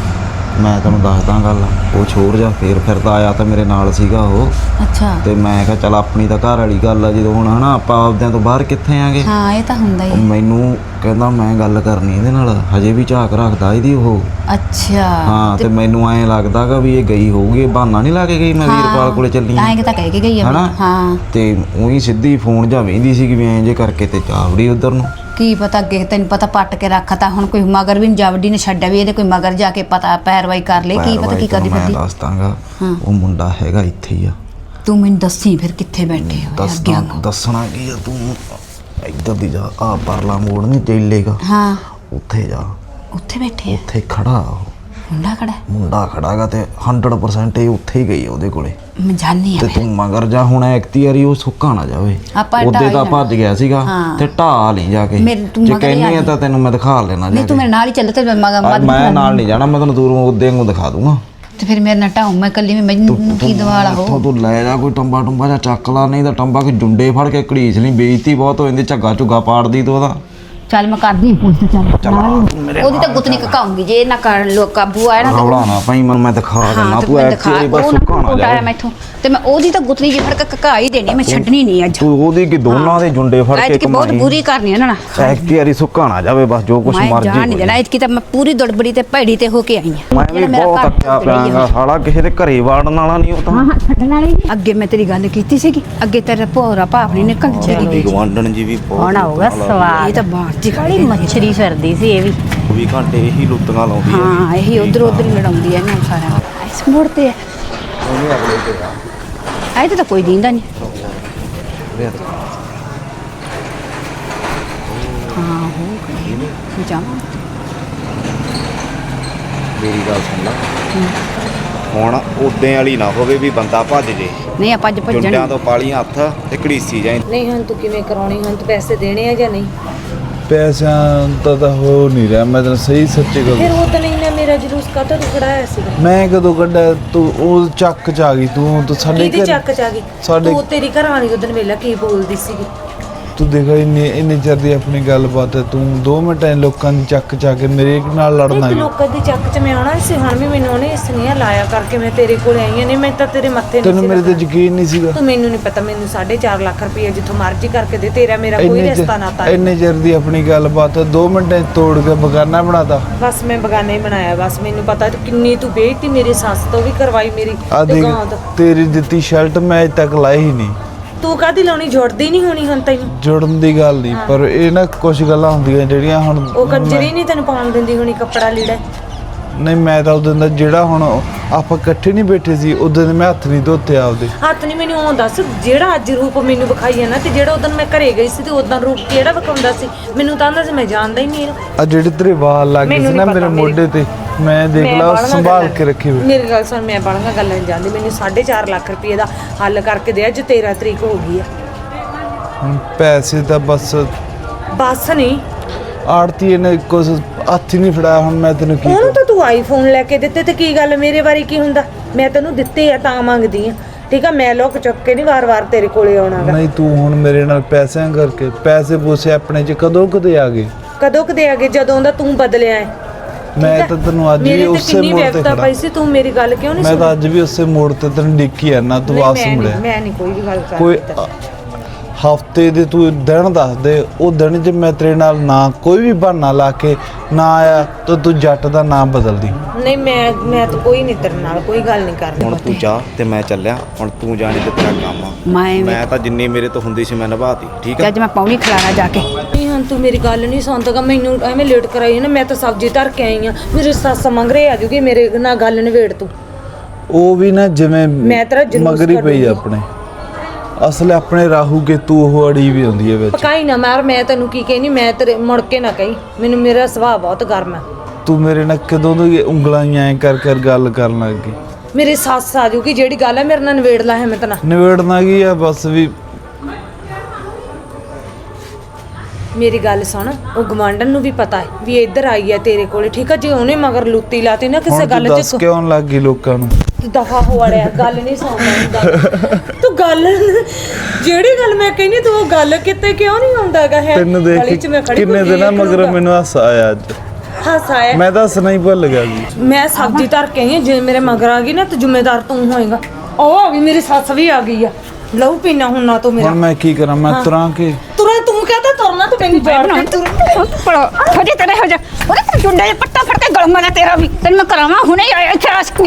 A: ਮੈਂ ਤੈਨੂੰ ਦੱਸਦਾ ਗੱਲ, ਉਹ ਛੋੜ ਜਾ ਫੇਰ ਫਿਰਦਾ ਆਇਆ ਤਾਂ ਮੇਰੇ ਨਾਲ ਸੀਗਾ ਉਹ।
C: ਅੱਛਾ।
A: ਤੇ ਮੈਂ ਕਿਹਾ ਚੱਲ ਆਪਣੀ ਤਾਂ ਘਰ ਵਾਲੀ ਗੱਲ ਆ, ਜਦੋਂ ਹੁਣ ਹਨਾ ਆਪਾਂ ਆਪਦਿਆਂ ਤੋਂ ਬਾਹਰ ਕਿੱਥੇ ਆਂਗੇ।
C: ਹਾਂ ਇਹ ਤਾਂ ਹੁੰਦਾ
A: ਉਹ
C: ਹੀ।
A: ਮੈਨੂੰ ਕਹਿੰਦਾ ਮੈਂ ਗੱਲ ਕਰਨੀ ਇਹਦੇ ਨਾਲ, ਹਜੇ ਵੀ ਝਾਕ ਰੱਖਦਾ ਇਹਦੀ ਉਹ।
C: ਅੱਛਾ।
A: ਹਾਂ ਤੇ ਮੈਨੂੰ ਐਂ ਲੱਗਦਾਗਾ ਵੀ ਇਹ ਗਈ ਹੋਊਗੀ, ਇਹ ਬਹਾਨਾ ਨਹੀਂ ਲਾ ਕੇ ਗਈ ਮੈਂ ਵੀਰਪਾਲ ਕੋਲੇ ਚੱਲੀ
C: ਐਂ ਕਿ ਤਾਂ ਕਹਿ ਕੇ ਗਈ ਆ।
A: ਹਨਾ?
C: ਹਾਂ
A: ਤੇ ਉਹੀ ਸਿੱਧੀ ਫੋਨ ਜਾਂ ਵੇਂਦੀ ਸੀ ਕਿ ਵੀ ਐਂ ਜੇ ਕਰਕੇ ਤੇ ਚਾਵੜੀ ਉਧਰ ਨੂੰ।
C: ਕੀ ਪਤਾ ਅੱਗੇ ਤੈਨੂੰ ਪਤਾ ਪੱਟ ਕੇ ਰੱਖਤਾ, ਹੁਣ ਕੋਈ ਮਗਰ ਵੀ ਜਾਵੜੀ ਨੇ ਛੱਡਿਆ ਵੀ ਇਹਦੇ ਕੋਈ ਮਗਰ ਜਾ ਕੇ ਪਤਾ ਪੈਰਵਾਈ ਕਰ ਲੇ, ਕੀ ਪਤਾ ਕੀ ਕਰਦੀ
A: ਮੈਂ
C: ਫਿਰਦੀ।
A: ਦੱਸ ਦਾਂਗਾ ਉਹ ਮੁੰਡਾ ਹੈਗਾ ਇੱਥੇ ਹੀ ਆ।
C: ਤੂੰ ਮੈਨੂੰ ਦੱਸੀ ਫਿਰ ਕਿੱਥੇ ਬੈਠੇ ਹੋ ਅੱਗੇ ਨੂੰ।
A: ਦੱਸਣਾ ਕੀ ਆ, ਤੂੰ ਇੱਧਰ ਦੀ ਜਾ, ਆ ਪਰਲਾ ਮੋੜ ਨਹੀਂ ਚੱਲੇਗਾ,
C: ਹਾਂ
A: ਉੱਥੇ ਜਾ।
C: ਉੱਥੇ ਬੈਠੇ ਆ?
A: ਉੱਥੇ ਖੜਾ ਉਹ
C: ਮੁੰਡਾ ਖੜਾ?
A: ਮੁੰਡਾ ਖੜਾਗਾ ਤੇ 100% ਇਹ ਉੱਥੇ ਹੀ ਗਈ ਉਹਦੇ ਕੋਲੇ।
C: ਮੈਂ ਜਾਣੀ ਆ
A: ਤੇ ਤੂੰ ਮਗਰ ਜਾ, ਹੁਣ ਐਕਤੀ ਵਾਰੀ ਉਹ ਸੁੱਕਾ ਨਾ ਜਾਵੇ।
C: ਆਪਾਂ
A: ਉਹਦੇ
C: ਢਾਹ
A: ਤਾਂ
C: ਹੀ
A: ਭੱਜ ਗਿਆ ਸੀਗਾ
C: ਹਾਂ।
A: ਤੇ ਢਾਹ ਨਹੀਂ ਜਾ ਕੇ।
C: ਤੂੰ
A: ਜੇ
C: ਮਗਰ ਹੀ
A: ਕਹਿੰਦੀ
C: ਆ
A: ਆ ਤਾਂ ਤੈਨੂੰ ਮੈਂ ਦਿਖਾ ਲੈਣਾ ਜਾ
C: ਨਹੀਂ ਤੂੰ
A: ਕੇ।
C: ਮੇਰੇ ਨਾਲ ਹੀ ਚੱਲ ਤੇ
A: ਮੈਂ ਨਾਲ ਨਹੀਂ ਜਾਣਾ, ਮੈਂ ਤੈਨੂੰ ਦੂਰੋਂ ਉਹਦੇ ਨੂੰ ਦਿਖਾ ਦੂੰਗਾ।
C: ਤੇ ਫਿਰ ਮੇਰੇ ਨਾਲ ਢਾਉ ਮੈਂ ਕੱਲੀ ਮੈਨੂੰ ਕੀ ਦਵਾਲਾ ਹੋ।
A: ਉੱਥੋਂ ਤੂੰ ਲੈ ਜਾ ਕੋਈ ਟੰਬਾ ਜਾਂ ਚੱਕ ਲਾ, ਨਹੀਂ ਤਾਂ ਟੰਬਾ ਕਿ ਜੁੰਡੇ ਫੜ ਕੇ ਘੜੀਸ ਲਈ, ਬੇਇੱਜ਼ਤੀ ਬਹੁਤ ਹੋ ਜਾਂਦੀ, ਝੱਗਾ ਝੁੱਗਾ ਪਾੜਦੀ ਤੂੰ ਉਹਦਾ।
C: ਚੱਲ ਮੈਂ ਕਰਦੀ ਪੁੱਛ ਚੱਲ ਉਹਦੀ ਤਾਂ ਗੁੱਤਨੀ ਕਕਾਉਂਗੀ ਜੇ ਨਾ ਕਰ ਲੋ ਕਾਬੂ ਆਇਆ ਨਾ ਤੇ
A: ਰੌਲਾ ਨਾ ਭਾਈ ਮੈਂ ਦਿਖਾ ਦੇਣਾ,
C: ਤੇ
A: ਤੂੰ
C: ਮੈਂ
A: ਐਕਤੀ ਵਾਰੀ ਬਸ ਸੁੱਕਾ ਨਾ
C: ਜਾਏ
A: ਜਾ।
C: ਮੈਥੋਂ ਤੇ ਮੈਂ ਉਹਦੀ ਤਾਂ ਗੁੱਤਨੀ ਜੀ ਫੜ ਕੇ ਕਕਾ ਹੀ ਦੇਣੀ, ਮੈਂ ਛੱਡਣੀ ਨਹੀਂ ਅੱਜ।
A: ਤੂੰ ਉਹਦੀ ਕਿ ਦੋਨਾਂ ਦੇ ਜੁੰਡੇ ਫੜ ਕੇ
C: ਐਤਕੀ ਬਹੁਤ ਬੁਰੀ ਕਰਨੀ ਇਹਨਾਂ ਨਾਲ।
A: ਐਕਤੀ ਵਾਰੀ ਸੁੱਕਾ ਨਾ ਜਾਵੇ, ਬਸ ਜੋ ਕੁਛ
C: ਮੈਂ
A: ਮਰਜ਼ੀ
C: ਜਾਣ ਨਹੀਂ ਦੇਣਾ ਐਤਕੀ ਤਾਂ ਮੈਂ ਪੂਰੀ ਦੜਬੜੀ ਤੇ ਭੈੜੀ ਤੇ ਹੋ ਕੇ ਆਈ ਆ।
A: ਮੈਂ ਵੀ ਬਹੁਤ ਅੱਕਿਆ ਪਿਆਂਗਾ ਸਾਲਾ, ਕਿਸੇ ਦੇ ਘਰੇ ਵਾੜਨ ਵਾਲਾ ਨਹੀਂ ਉਹ ਤਾਂ।
C: ਹਾਂ ਛੱਡਣ ਵਾਲੀ ਅੱਗੇ ਮੈਂ ਤੇਰੀ ਗੱਲ ਕੀਤੀ ਸੀਗੀ, ਅੱਗੇ ਤੇਰਾ ਭੋਰਾ ਭਾਪ ਨਹੀਂ ਨਿਕਲ ਚਲੀ
A: ਗਵਾਂਡਣ ਜੀ ਵੀ ਬਹੁਤ
C: ਆਉਣਾ ਹੋਗਾ ਸਵਾਦ। ਇਹ ਤਾਂ ਬਾਹਰ ਦੀ ਖਾਲੀ ਮੱਛਰੀ ਫਿਰਦੀ ਸੀ ਇਹ ਵੀ।
A: 24 ਘੰਟੇ ਇਹੀ ਲੁੱਟੀਆਂ ਲਾਉਂਦੀ ਹੈ।
C: ਹਾਂ ਇਹੀ ਉਧਰ ਉਧਰ ਹੀ ਲੜਾਉਂਦੀ ਹੈ ਇਹਨਾਂ ਨੂੰ ਸਾਰਿਆਂ ਨੂੰ। ਇਸ ਮੋੜ ਤੇ
A: ਉਹਨੇ ਅਗਲੇ ਤੇ ਆ
C: ਆਏ ਤਾਂ ਕੋਈ ਦੀਂਦਾ ਨਹੀਂ। ਹਾਂ ਹੋ ਗਈ ਜਾਵਾਂ।
A: ਮੇਰੀ ਗੱਲ ਸੁਣ ਲੈ, ਹੁਣ ਉਦੋਂ ਵਾਲੀ ਨਾ ਹੋਵੇ ਵੀ ਬੰਦਾ ਭੱਜ ਜੇ।
C: ਨਹੀਂ ਆਪਾਂ ਅੱਜ ਭੱਜਣ
A: ਜੁੰਡਿਆਂ ਤੋਂ ਪਾਲੀਆਂ ਹੱਥ ਤੇ ਘੜੀਸੀ ਜਾਏ।
D: ਨਹੀਂ ਹੁਣ ਤੂੰ ਕਿਵੇਂ ਕਰਾਉਣੀ, ਹੁਣ ਤੂੰ ਪੈਸੇ ਦੇਣੇ ਆ ਜਾਂ ਨਹੀਂ?
B: ਪੈਸਿਆਂ ਦਾ ਤਾਂ ਹੋ ਨਹੀਂ ਰਿਹਾ, ਮੈਂ ਤੈਨੂੰ ਸਹੀ ਸੱਚੀ ਗੱਲ।
D: ਫਿਰ ਉਹ ਤਾਂ ਨਹੀਂ ਨਾ ਮੇਰਾ ਜਲੂਸ ਕਾਹਤੋਂ ਤੂੰ ਖੜਾਇਆ ਸੀਗਾ?
B: ਮੈਂ ਕਦੋਂ ਕੱਢਿਆ? ਤੂੰ ਉਹ ਚੱਕ ਚ ਆ ਗਈ, ਤੂੰ ਸਾਡੇ
D: ਕਿਹਦੀ ਚੱਕ ਚ ਆ ਗਈ?
B: ਸਾਡੇ
D: ਤੂੰ ਤੇਰੀ ਘਰ ਵਾਲੀ ਉਦੋਂ ਵੇਲਾ ਕੀ ਬੋਲਦੀ ਸੀਗੀ?
B: ਤੂੰ ਦੇਖ ਇੰਨੇ ਚਿਰ ਦੀ ਆਪਣੀ ਗੱਲਬਾਤ ਹੈ, ਤੂੰ 2 ਮਿੰਟਾਂ ਲੋਕਾਂ ਦੀ ਚੱਕ ਕੇ ਮੇਰੇ ਨਾਲ ਲੜਨਾ
D: ਇੱਕ ਲੋਕਾਂ ਦੀ ਚੱਕ 'ਚ ਮੈਂ ਆਉਣਾ ਸੀ, ਹੁਣ ਵੀ ਮੈਨੂੰ ਉਹਨੇ ਸੁਨੇਹਾ ਲਾਇਆ ਕਰਕੇ ਮੈਂ ਤੇਰੇ ਕੋਲ ਆਈ ਹਾਂ। ਨਹੀਂ ਮੈਂ ਤਾਂ ਤੇਰੇ ਮੱਥੇ
B: ਤੈਨੂੰ
D: ਨਹੀਂ
B: ਮੇਰੇ ਤੇ ਯਕੀਨ ਨਹੀਂ ਸੀਗਾ।
D: ਤੂੰ ਮੈਨੂੰ ਨਹੀਂ ਪਤਾ, ਮੈਨੂੰ 4.5 ਲੱਖ ਰੁਪਏ ਜਿੱਥੋਂ ਮਰਜ਼ੀ ਕਰਕੇ ਦੇ, ਤੇਰਾ ਮੇਰਾ ਕੋਈ ਰਿਸ਼ਤਾ ਨਾਤਾ ਨਹੀਂ।
B: ਇੰਨੇ ਚਿਰ ਦੀ ਆਪਣੀ ਗੱਲਬਾਤ 2 ਮਿੰਟਾਂ 'ਚ ਤੋੜ ਕੇ ਬਗਾਨਾ ਬਣਾਤਾ।
D: ਬਸ ਮੈਂ ਬਗਾਨਾ ਹੀ ਬਣਾਇਆ। ਬਸ ਮੈਨੂੰ ਪਤਾ ਕਿੰਨੀ ਤੂੰ ਬੇਇੱਜ਼ਤੀ ਮੇਰੀ ਸੱਸ ਤੋਂ ਵੀ ਕਰਵਾਈ, ਮੇਰੀ
B: ਆ ਦੇਖ
D: ਦੁਕਾਨ ਤੋਂ।
B: ਤੇਰੀ ਦਿੱਤੀ ਸ਼ਰਟ ਮੈਂ ਅਜੇ ਤੱਕ ਲਾਈ ਹੀ ਨਹੀਂ।
D: ਤੂੰ ਕਾਹਦੀ ਲਾਉਣੀ, ਜੁੜਦੀ ਨਹੀਂ ਹੋਣੀ ਹੁਣ ਤੈਨੂੰ।
B: ਜੁੜਨ ਦੀ ਗੱਲ ਨਹੀਂ, ਪਰ ਇਹ ਨਾ ਕੁਝ ਗੱਲਾਂ ਹੁੰਦੀਆਂ ਜਿਹੜੀਆਂ ਹੁਣ
D: ਉਹ ਕੰਜਰੀ ਨਹੀਂ ਤੈਨੂੰ ਪਾਉਣ ਦਿੰਦੀ ਹੋਣੀ ਕੱਪੜਾ ਲੀੜਾ।
B: ਨਹੀਂ ਮੈਂ ਤਾਂ ਉਦੋਂ ਦਾ ਜਿਹੜਾ ਹੁਣ ਆਪਾਂ ਇਕੱਠੇ ਨਹੀਂ ਬੈਠੇ ਸੀ ਉਦੋਂ ਦੇ ਮੈਂ ਹੱਥ ਨਹੀਂ ਧੋਤੇ ਆਪਦੇ।
D: ਹੱਥ ਨਹੀਂ, ਮੈਨੂੰ ਉਹ ਦੱਸ ਜਿਹੜਾ ਅੱਜ ਰੂਪ ਮੈਨੂੰ ਵਿਖਾਈ ਹੈ ਨਾ, ਤੇ ਜਿਹੜਾ ਉਦੋਂ ਮੈਂ ਘਰੇ ਗਈ ਸੀ ਤੇ ਉਦੋਂ ਰੂਪ ਕਿਹੜਾ ਵਿਖਾਉਂਦਾ ਸੀ? ਮੈਨੂੰ ਤਾਂ ਆਂਦਾ ਸੀ ਮੈਂ ਜਾਣਦਾ ਹੀ ਨਹੀਂ ਇਹਨੂੰ।
B: ਆ ਜਿਹੜੇ ਤੇਰੇ ਵਾਲ ਲੱਗ ਗਏ ਸੀ ਨਾ ਮੇਰੇ ਮੋਢੇ ਤੇ, ਮੈਂ ਦੇਖ ਲਾ ਸੰਭਾਲ ਕੇ ਰੱਖੇ ਹੋਏ।
D: ਮੇਰੀ ਗੱਲ ਸੁਣ, ਮੈਂ ਬਾਲੀਆਂ ਗੱਲਾਂ ਨਹੀਂ ਜਾਂਦੀ। ਮੈਨੂੰ 4.5 ਲੱਖ ਰੁਪਏ ਦਾ ਹੱਲ ਕਰਕੇ ਦੇ। ਅੱਜ 13 ਤਰੀਕ ਹੋ ਗਈ ਆ।
B: ਹੁਣ ਪੈਸੇ ਤਾਂ ਬਸ
D: ਨਹੀਂ,
B: ਆੜਤੀ ਨੇ ਕੁਝ ਹੱਥ ਹੀ ਨਹੀਂ ਫੜਾਇਆ। ਹੁਣ ਮੈਂ ਤੈਨੂੰ ਕੀ
D: ਉਹਨੂੰ ਤਾਂ ਤੂੰ ਆਈਫੋਨ ਲੈ ਕੇ ਦਿੱਤੇ ਤੇ ਕੀ ਗੱਲ, ਮੇਰੇ ਬਾਰੇ ਕੀ ਹੁੰਦਾ? ਮੈਂ ਤੈਨੂੰ ਦਿੱਤੇ ਆ ਤਾਂ ਮੰਗਦੀ ਆ, ਠੀਕ ਆ? ਮੈਂ ਲੋਕ ਚੁੱਕ ਕੇ ਨਹੀਂ ਵਾਰ-ਵਾਰ ਤੇਰੇ ਕੋਲੇ ਆਉਣਾਗਾ।
B: ਨਹੀਂ ਤੂੰ ਹੁਣ ਮੇਰੇ ਨਾਲ ਪੈਸਿਆਂ ਕਰਕੇ ਪੈਸੇ ਪੂਸੇ ਆਪਣੇ ਚ ਕਦੋਂ ਕਦੇ ਆ ਗਏ?
D: ਕਦੋਂ ਕਦੇ ਆ ਗਏ? ਜਦੋਂ ਦਾ ਤੂੰ ਬਦਲਿਆ ਹੈ।
B: ਮੈਂ ਤਾਂ ਤੈਨੂੰ ਅੱਜ ਵੀ ਉਸੇ ਮੋੜ ਤੇ ਖੜਾ।
D: ਪਈ ਸੀ ਤੂੰ ਮੇਰੀ ਗੱਲ ਕਿਉਂ ਨਹੀਂ
B: ਮੈਂ ਤਾਂ ਅੱਜ ਵੀ ਉਸੇ ਮੋੜ ਤੇ ਤੈਨੂੰ ਡਿੱਕੀ ਆ ਨਾ, ਤੂੰ ਵਾਪਸ ਮੁੜਿਆ।
D: ਮੈਂ ਨਹੀਂ ਕੋਈ ਵੀ ਗੱਲ ਕਰਦੀ।
B: ਕੋਈ ਹਫਤੇ ਦੇ ਤੂੰ ਦਿਨ ਦੱਸ ਦੇ, ਉਹ ਦਿਨ 'ਚ ਮੈਂ ਤੇਰੇ ਨਾਲ ਨਾ ਕੋਈ ਵੀ ਬਹਾਨਾ ਲਾ ਕੇ ਨਾ ਆਇਆ ਤਾਂ ਤੂੰ ਜੱਟ ਦਾ ਨਾਮ ਬਦਲਦੀ।
D: ਨਹੀਂ ਮੈਂ ਤਾਂ ਕੋਈ ਨਹੀਂ ਤੇਰੇ ਨਾਲ ਕੋਈ ਗੱਲ ਨਹੀਂ ਕਰਦੀ।
A: ਹੁਣ ਤੂੰ ਜਾ ਤੇ ਮੈਂ ਚੱਲਿਆ। ਹੁਣ ਤੂੰ ਜਾਣੀ ਤੇ ਤੇਰਾ ਕੰਮ ਆ। ਮੈਂ ਤਾਂ ਜਿੰਨੀ ਮੇਰੇ ਤੋਂ ਹੁੰਦੀ ਸੀ ਮੈਂ ਨਿਭਾਤੀ, ਠੀਕ ਆ?
C: ਅੱਜ ਮੈਂ ਪੌਣੀ ਖਿਲਾਣਾ ਜਾ ਕੇ।
D: ਨਹੀਂ ਹੁਣ ਤੂੰ ਮੇਰੀ ਗੱਲ ਨਹੀਂ ਸੁਣਦਾਗਾ, ਮੈਨੂੰ ਐਵੇਂ ਲੇਟ ਕਰਾਈ ਨਾ। ਮੈਂ ਤਾਂ ਸਬਜ਼ੀ ਧਰ ਕੇ ਆਈ ਆ, ਮੇਰੀ ਸੱਸ ਮੰਗ ਰਹੀ ਆ ਜੂਗੀ ਮੇਰੇ ਨਾਲ ਗੱਲ ਨਿਬੇੜ ਤੂੰ।
B: ਉਹ ਵੀ ਨਾ ਜਿਵੇਂ
D: ਮੈਂ ਤੇਰਾ ਜਲੂਸ
B: ਮਗਰੀ ਪਈ ਆਪਣੇ ਅਸਲ ਆਪਣੇ ਰਾਹੂ ਕੇ ਤੂੰ ਉਹ ਅੜੀ ਵੀ ਹੁੰਦੀ ਹੈ ਵਿੱਚ।
D: ਪਕਾਈ ਨਾ ਮਾਰ, ਮੈਂ ਤੈਨੂੰ ਕੀ ਕਹਿਨੀ, ਮੈਂ ਤੇਰੇ ਮੁੜ ਕੇ ਨਾ ਕਹੀਂ। ਮੈਨੂੰ ਮੇਰਾ ਸੁਭਾਅ ਬਹੁਤ ਗਰਮ ਹੈ।
B: ਤੂੰ ਮੇਰੇ ਨਾਲ ਕਦੋਂ ਦੀ ਉਂਗਲਾਂ ਐਂ ਕਰ ਗੱਲ ਕਰਨ ਲੱਗ ਗਈ?
D: ਮੇਰੀ ਸੱਸ ਆ ਜੂਗੀ, ਜਿਹੜੀ ਗੱਲ ਹੈ ਮੇਰੇ ਨਾਲ ਨਿਬੇੜ ਲਾ ਹੈ। ਮੈਂ ਤਾਂ
B: ਨਿਬੇੜਨਾ ਕੀ ਆ, ਬਸ ਵੀ
D: ਮੇਰੀ ਗੱਲ ਸੁਣ। ਉਹ ਗਵਾਂਢਣ ਨੂੰ ਵੀ ਪਤਾ ਹੈ ਵੀ ਇੱਧਰ ਆਈ ਹੈ ਤੇਰੇ ਕੋਲੇ, ਠੀਕ ਆ? ਜੇ ਉਹਨੇ ਮਗਰ ਲੁੱਤੀ ਲਾਤੀ ਨਾ ਕਿਸੇ ਗੱਲ 'ਚ,
B: ਦੱਸ ਕਿਉਂ ਲੱਗ ਗਈ ਲੋਕਾਂ ਨੂੰ?
D: ਦਫਾ ਹੋ ਵਾਲਿਆ, ਗੱਲ ਨਹੀਂ ਸੁਣਦਾ ਤੂੰ। ਗੱਲ ਜਿਹੜੀ ਗੱਲ ਮੈਂ ਕਹਿੰਦੀ ਤੂੰ ਉਹ ਗੱਲ ਕਿਤੇ ਕਿਉਂ ਨਹੀਂ ਆਉਂਦਾਗਾ? ਹੈ
B: ਤੈਨੂੰ ਦੇਖ ਕਿੰਨੇ ਦਿਨਾਂ ਮਗਰ ਮੈਨੂੰ ਹਾਸਾ ਆਇਆ ਅੱਜ।
D: ਹਾਸਾ ਆਇਆ?
B: ਮੈਂ ਤਾਂ ਹੱਸਣਾ ਹੀ ਭੁੱਲ ਗਿਆ ਜੀ।
D: ਮੈਂ ਸਬਜ਼ੀ ਧਰ ਕੇ ਆਈ ਹਾਂ, ਜੇ ਮੇਰੇ ਮਗਰ ਆ ਗਈ ਨਾ ਤੇ ਜ਼ਿੰਮੇਦਾਰ ਤੂੰ ਹੋਏਗਾ। ਉਹ ਆ ਗਈ, ਮੇਰੀ ਸੱਸ ਵੀ ਆ ਗਈ ਆ। ਲਹੂ ਪੀਣਾ ਹੁਣ ਨਾ ਤੂੰ ਮੇਰਾ।
B: ਹੁਣ ਮੈਂ ਕੀ ਕਰਾਂ? ਮੈਂ ਤੁਰਾਂ ਕੇ
D: ਤੁਰਾਂ? ਤੂੰ ਕਹਤਾ ਤੁਰਨਾ, ਤੂੰ ਮੈਨੂੰ ਜਾਣ ਕੇ ਤੁਰ।
C: ਹੋ ਜਾ ਤੇਰੇ ਹੋ ਜਾ। ਉਹਦੇ ਤੇ ਚੁੰਡੇ ਪੱਟਾ ਫੜ ਕੇ ਗਲਮਾ ਨਾ ਤੇਰਾ ਵੀ। ਤੈਨੂੰ ਮੈਂ ਕਰਾਵਾਂ ਹੁਣੇ ਆਇਆ ਇੱਥੇ ਆਈ ਸੀ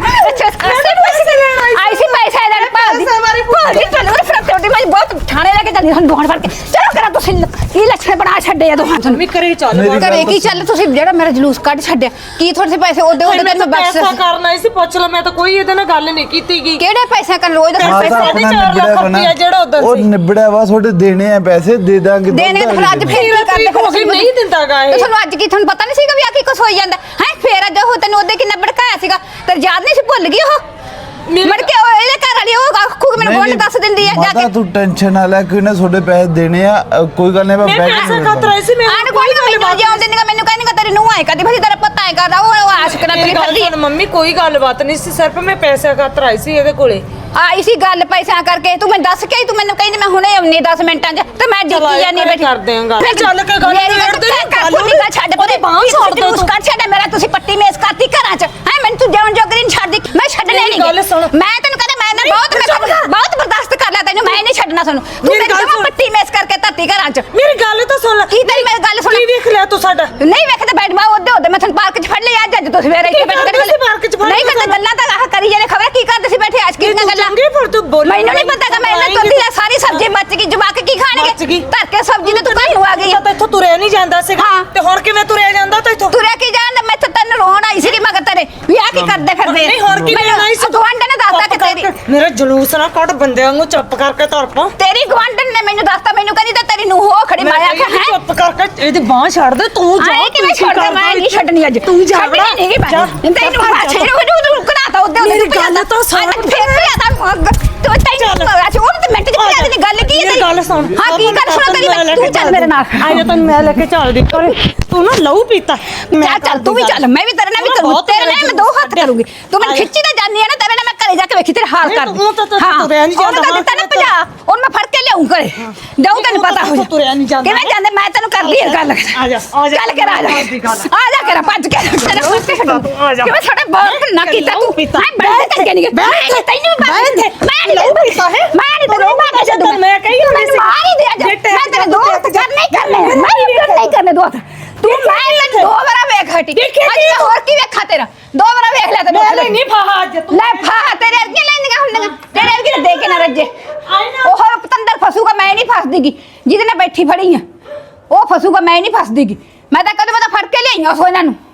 C: ਪੈਸੇ ਲੈਣ ਭਾਜੀ ਚਲੋ ਫਿਰ ਤੁਹਾਡੀ ਮੈਂ ਬਹੁਤ ਥਾਣੇ ਲੈ ਕੇ ਜਾਂਦੀ ਹਾਂ ਦੋਹਾਂ ਫੜ ਕੇ। ਚਲੋ ਕਰਾ ਤੁਸੀਂ ਕੀ ਲੱਛਣ ਬਣਾ ਛੱਡੇ ਆ ਦੋਹਾਂ ਤੁਹਾਨੂੰ।
D: ਮੈਂ ਕਰੇ ਚੱਲ
C: ਘਰੇ ਕੀ ਚੱਲ ਤੁਸੀਂ ਜਿਹੜਾ ਮੇਰਾ ਜਲੂਸ ਕੱਢ ਛੱਡਿਆ ਕੀ ਤੁਹਾਡੇ ਪੈਸੇ ਉਹਦੇ
D: ਮੈਂ ਬਸ ਪੈਸਾ ਕਰਨਾ ਸੀ। ਪੁੱਛ ਲੈ, ਮੈਂ ਤਾਂ ਕੋਈ ਇਹਦੇ ਨਾਲ ਗੱਲ ਨਹੀਂ ਕੀਤੀ ਗਈ।
C: ਕਿਹੜੇ ਪੈਸੇ ਕਰਨ ਰੋਜ਼ ਦਾ
D: ਪੈਸੇ
C: ਪੈਸੇ
D: ਨਹੀਂ 4 ਲੱਖ ਰੁਪਇਆ ਜਿਹੜਾ ਉਦੋਂ
B: ਉਹ
D: ਸੀ।
B: ਨਿਬੜਿਆ ਵਾ, ਤੁਹਾਡੇ ਦੇਣੇ ਆ ਪੈਸੇ, ਦੇ ਦਾਂਗੇ।
C: ਦੇਣੇ ਤਾਂ ਫਿਰ ਅੱਜ ਫੇਰ ਕੀ ਕਰਦੇ
D: ਹੋ ਗਈ ਨਹੀਂ ਦਿੰਦਾਗਾ ਇਹ।
C: ਤੇ ਤੁਹਾਨੂੰ ਅੱਜ ਕੀ ਤੁਹਾਨੂੰ ਪਤਾ ਨਹੀਂ ਸੀਗਾ ਵੀ ਆ ਕੀ ਕੁਛ ਹੋਈ ਜਾਂਦਾ ਹੈ? ਫੇਰ ਅੱਜ ਉਹ ਤੈਨੂੰ ਉਹਦੇ ਕਿੰਨਾ ਭੜਕਾਇਆ ਸੀਗਾ, ਤੇ ਯਾਦ ਨਹੀਂ ਸੀ? ਭੁੱਲ ਗਈ ਉਹ ਮੜ ਕੇ ਉਹ ਇਹਦੇ ਘਰ ਵਾਲੀ ਉਹ ਆਖੂ ਮੈਨੂੰ ਬੋਲ ਦੱਸ ਦਿੰਦੀ ਆ ਜਾ ਕੇ।
B: ਤੂੰ ਟੈਨਸ਼ਨ ਨਾ ਲੈ, ਕੋਈ ਨਾ ਤੁਹਾਡੇ ਪੈਸੇ ਦੇਣੇ ਆ, ਕੋਈ ਗੱਲ ਨਹੀਂ।
D: ਮੈਂ ਪੈਸਾ ਖਾਤਰ ਆਈ ਸੀ। ਮੈਂ
C: ਆਣ ਕੋਈ ਮੈਨੂੰ ਜਾਣ ਦਿੰਦੀ, ਮੈਨੂੰ ਕਹਿੰਦੀ ਤੇਰੀ ਨੂੰਹ ਆਏ ਕਦੀ ਫਿਰ ਤੇਰਾ ਪਤਾ ਹੈ ਕਰਦਾ ਉਹ ਆਸ਼ਕ ਨਾਲ ਤੇਰੀ ਫਿਰਦੀ।
D: ਮੰਮੀ ਕੋਈ ਗੱਲਬਾਤ ਨਹੀਂ ਸੀ, ਸਿਰਫ ਮੈਂ ਪੈਸਾ ਖਾਤਰ ਆਈ ਸੀ ਇਹਦੇ ਕੋਲੇ।
C: ਆਈ ਸੀ ਗੱਲ ਪੈਸਿਆਂ ਕਰਕੇ। ਤੂੰ ਮੈਨੂੰ ਦੱਸ ਕੇ ਤੂੰ ਮੈਨੂੰ ਕਹਿੰਦੀ ਮੈਂ ਹੁਣੇ ਆਉਣੀ 10 ਮਿੰਟਾਂ 'ਚ ਤੇ ਮੈਂ ਡਿੱਕੀ ਜਾਨੀ ਬੈਠੀ।
D: ਕਰਦੇ ਆਂ ਗੱਲ, ਚੱਲ ਕੇ ਗੱਲ
C: ਮੇਰੀ ਗੱਲ ਛੱਡ ਪਰੇ ਬਾਹ ਛੱਡ ਦੋ ਤੂੰ ਕਰ ਛੱਡ ਮੇਰਾ। ਤੁਸੀਂ ਪੱਟੀ ਮੇਸ ਕਰਤੀ ਘਰਾਂ 'ਚ ਹੈ, ਮੈਨੂੰ ਤੂੰ ਜਾਣ ਜੋਗਰੀ ਨਹੀਂ ਛੱਡਦੀ। ਮੈਂ ਛੱਡਣੇ ਨਹੀਂ। ਮੈਂ ਤੈਨੂੰ ਕਹਿੰਦਾ ਮੈਂ ਬਹੁਤ ਬਰਦਾਸ਼ਤ ਕਰ ਲਿਆ ਤੈਨੂੰ, ਮੈਂ ਨਹੀਂ ਛੱਡਣਾ ਤੁਹਾਨੂੰ। ਤੂੰ ਮੈਨੂੰ ਪੱਟੀ ਮੇਸ ਕਰਕੇ ਧਰਤੀ ਘਰਾਂ 'ਚ।
D: ਮੇਰੀ ਗੱਲ ਤਾਂ ਸੁਣ ਲੈ।
C: ਕੀ ਤੇਰੀ ਮੇਰੀ ਗੱਲ ਸੁਣ?
D: ਕੀ ਵੇਖ ਲਿਆ ਤੂੰ ਸਾਡਾ?
C: ਨਹੀਂ ਵੇਖਦਾ ਬੈਠ ਬਾ ਉਹਦੇ ਮੈਂ ਤੁਹਾਨੂੰ ਪਾਰਕ 'ਚ ਫੜ ਲਿਆ ਅੱਜ ਤੁਸੀਂ ਮੇਰੇ ਇੱਥੇ ਬੈਠ ਕੇ ਨਹੀਂ ਕਰਦੇ ਗੱਲਾਂ ਤਾਂ ਆਹ ਕਰੀ ਜਾਂਦੇ। ਖਬਰ ਕੀ ਕਰਦੇ ਸੀ ਬੈਠੇ ਅੱਜ ਕਿੰਨੀਆਂ ਗੱਲਾਂ। ਮੈਨੂੰ ਨਹੀਂ ਪਤਾ ਕਿ ਮੈਂ ਇਹਨਾਂ ਤੋਦੀ ਆ ਸਾਰੀ ਸਬਜ਼ੀ ਬਚ ਗਈ। ਜਵਾਕ ਕੀ ਖਾਣਗੇ? ਧਰ ਕੇ ਸਬਜ਼ੀ ਤੇ ਤੂੰ ਘਰ ਨੂੰ ਆ ਗਈ।
D: ਤਾਂ ਇੱਥੋਂ ਤੁਰਿਆ ਨਹੀਂ ਜਾਂਦਾ ਸੀਗਾ ਤੇ ਹੁਣ ਕਿਵੇਂ ਤੁਰਿਆ ਜਾਂਦਾ? ਤਾਂ ਇੱਥੋਂ
C: ਤੁਰਿਆ ਕੀ ਜਾਂਦਾ? ਮੈਂ ਤਾਂ ਤੈਨੂੰ ਰੋਣ ਆਈ ਸੀ ਮਗਰ ਤੇਰੇ ਵੀ ਆ ਕੀ ਕਰਦੇ ਫਿਰਦੇ ਆ।
D: ਨਹੀਂ ਹੁਣ ਕੀ ਲੈਣਾ ਸੀ?
C: ਗਵਾਂਢਣ ਨੇ ਦੱਸਤਾ ਕਿ ਤੇਰੀ
D: ਮੇਰਾ ਜਲੂਸ ਨਾ ਕੱਢ, ਬੰਦਿਆਂ ਨੂੰ ਚੁੱਪ ਕਰਕੇ ਤੁਰ ਪਾ।
C: ਤੇਰੀ ਗਵਾਂਢਣ ਨੇ ਮੈਨੂੰ ਦੱਸਤਾ, ਮੈਨੂੰ ਕਹਿੰਦੀ ਤਾਂ ਤੇਰੀ ਨੂੰ ਹੋ ਖੜੀ ਮਾਰਿਆ ਕਿ ਹੈ।
D: ਚੁੱਪ ਕਰਕੇ ਇਹਦੀ ਬਾਹ ਛੱਡ ਦੇ ਤੂੰ। ਜਾ
C: ਕਿਵੇਂ ਛੱਡਦਾ? ਮੈਂ ਨਹੀਂ ਛੱਡਣੀ ਅੱਜ।
D: ਤੂੰ ਜਾ
C: ਨਹੀਂ ਗਈ ਮੈਂ ਤੈਨੂੰ ਬਾਛੇ ਨੂੰ ਰੁਕਣਾ ਉਹਦੇ
D: ਮੇਰੀ ਗੱਲ ਤਾਂ ਸੁਣ।
C: ਫੇਰ ਵੀ ਆਦਾ ਤੂੰ ਤੈਨੂੰ ਉਹਨੂੰ ਤੇ ਮਿੰਟ ਚ ਪਿਆ ਦੀ ਗੱਲ ਕੀ ਹੈ?
D: ਗੱਲ ਸੁਣ।
C: ਹਾਂ ਕੀ ਗੱਲ ਸੁਣਾ ਤੇਰੀ? ਤੂੰ ਚੱਲ ਮੇਰੇ ਨਾਲ।
D: ਆਇਆ ਤੈਨੂੰ ਮੈਂ ਲੈ ਕੇ ਚੱਲਦੀ। ਤੂੰ ਤੂੰ ਨਾ ਲਹੂ ਪੀਤਾ
E: ਚੱਲ ਤੂੰ ਵੀ ਚੱਲ, ਮੈਂ ਵੀ ਤੇਰੇ ਨਾਲ ਵੀ ਕਰੂੰ, ਤੇਰੇ ਨਾਲ ਮੈਂ 2 ਹੱਥ ਕਰੂੰਗੀ। ਤੂੰ ਮੈਨੂੰ ਖਿੱਚੀ ਤਾਂ ਜਾਨੀ ਆ ਨਾ, ਤੇਰੇ ਨਾਲ ਮੈਂ ਘਰੇ ਜਾ ਕੇ ਵੇਖੀ ਤੇਰੇ ਹਾਲ ਕਰ।
D: ਤੂੰ ਤਾਂ ਤੁਰਿਆ ਨਹੀਂ ਜਾਂਦਾ।
E: ਉਹਨੂੰ ਤਾਂ ਦਿੱਤਾ ਨਾ 50, ਉਹਨੂੰ ਮੈਂ ਫੜ ਕੇ ਲਿਆਉਂ ਘਰੇ, ਜਾਊਂ ਤੈਨੂੰ ਪਤਾ ਹੋ ਜਾ।
D: ਤੁਰਿਆ ਨਹੀਂ ਜਾਂਦਾ।
E: ਕਿਵੇਂ ਜਾਂਦੇ, ਮੈਂ ਤੈਨੂੰ ਕਰਦੀ ਆ ਗੱਲ।
D: ਆ ਜਾ
E: ਚੱਲ ਕੇ ਆ ਜਾ ਕਰ ਭੱਜ ਕੇ ਤੇਰਾ ਕੁੱਤੇ ਕਿਵੇਂ ਸਾਡਾ ਬਾਹਰ ਨਾ ਕੀਤਾ ਤੂੰ। ਮੈਂ ਬੈਠ ਕਰਕੇ ਨਹੀਂ ਗਿਆ, ਤੈਨੂੰ ਮੈਂ ਨਹੀਂ ਪੀਤਾ ਹੈ, ਮੈਂ ਨਹੀਂ ਤੈਨੂੰ ਮਾਰ ਕੇ ਜਦੋਂ
D: ਮੈਂ ਕਹੀ
E: ਮੈਨੂੰ ਮਾਰ ਹੀ ਦੇ ਜਾ। ਮੈਂ ਤੇਰੇ 2 ਹੱਥ ਨਹੀਂ ਕਰਨੇ, ਮੈਂ ਨਹੀਂ ਕਰਨੇ 2 ਹੱਥ। ਤੂੰ ਮੈਂ 2 ਵਾਰ ਵੇਖ ਹਟੀ, ਅੱਜ ਹੋਰ ਕੀ ਵੇਖਾ ਤੇਰਾ 2 ਵਾਰ ਵੇਖ ਲਿਆ ਤੈਨੂੰ।
D: ਮੈਂ ਨਹੀਂ ਫਾਹਾ ਅੱਜ ਤੂੰ
E: ਲੈ ਫਾਹਾ ਤੇਰੇ ਅਰਗੀਆਂ ਲੈਂਦੀਆਂ ਹੁੰਦੀਆਂ, ਤੇਰੇ ਅਰਗੀ ਦੇ ਕੇ ਨਾ ਰੱਜੇ। ਉਹ ਪਤੰਦਰ ਫਸੂਗਾ, ਮੈਂ ਨਹੀਂ ਫਸਦੀਗੀ। ਜਿਹਦੇ ਨਾਲ ਬੈਠੀ ਫੜੀ ਆ ਉਹ ਫਸੂਗਾ, ਮੈਂ ਨਹੀਂ ਫਸਦੀਗੀ। ਮੈਂ ਤਾਂ ਕਦੇ ਫੜ ਕੇ ਲਿਆਈਆਂ ਉਸ ਇਹਨਾਂ ਨੂੰ।